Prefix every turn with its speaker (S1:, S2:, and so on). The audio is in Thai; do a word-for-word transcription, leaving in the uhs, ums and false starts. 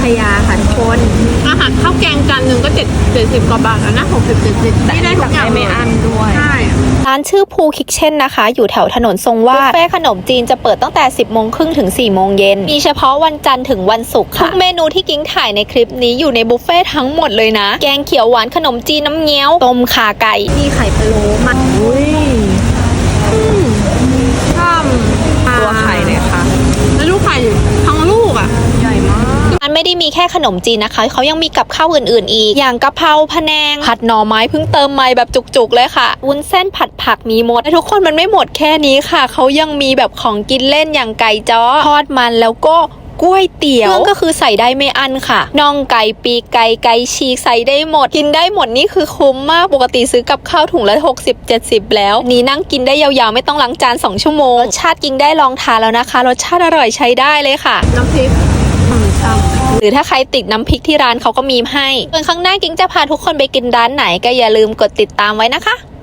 S1: ยาค่ะทุกคนอาหารข้าวแกงจานหนึ่งก็เจ็ดเจ็ดสิบกว่าบาทแล้วนะหกสิบเจ็ดสิบที่ได้ทุกอย่างไม่อั้นด้วยใช่
S2: ร้านชื่อภูคิกเช่นนะคะอยู่แถวถนนทรงวาดบุฟเฟ่ขนมจีนจะเปิดตั้งแต่สิบโมงครึ่งถึงสี่โมงเย็นมีเฉพาะวันจันทร์ถึงวันศุกร์ค่ะทุกเมนูที่กิ้งถ่ายในคลิปนี้อยู่ในบุฟเฟ่ทั้งหมดเลยนะแกงเขียวหวานขนมจีนน้ำเงี้ยวต้มข่าไก่
S1: มีไข่พะโล้มันอุ้ยช่ำตัวไข่เลยค่ะแล้วลูกไข่ทั้งลูกอ่ะใหญ่มาก
S2: มันไม่ได้มีแค่ขนมจีนนะคะเขายังมีกับข้าวอื่นๆอีกอย่างกะเพราพะแนงผัดหน่อไม้เพิ่งเติมใหม่แบบจุกๆเลยค่ะวุ้นเส้นผัดผักมีหมดแต่ทุกคนมันไม่หมดแค่นี้ค่ะเขายังมีแบบของกินเล่นอย่างไก่จ้อทอดมันแล้วก็ก๋วยเตี๋ยวเครื่องก็คือใส่ได้ไม่อั้นค่ะน่องไก่ปีกไก่ไก่ฉีกใส่ได้หมดกินได้หมดนี่คือคุ้มมากปกติซื้อกับข้าวถุงละหกสิบ เจ็ดสิบแล้วนี่นั่งกินได้ยาวๆไม่ต้องล้างจานสองชั่วโมงรสชาติกินได้ลองทานแล้วนะคะรสชาติอร่อยใช้ได้เลยค่ะ
S1: น้ำพริก
S2: หรือถ้าใครติดน้ำพริกที่ร้านเขาก็มีให้ส่วนข้างหน้ากิ้งจะพาทุกคนไปกินร้านไหนก็อย่าลืมกดติดตามไว้นะคะ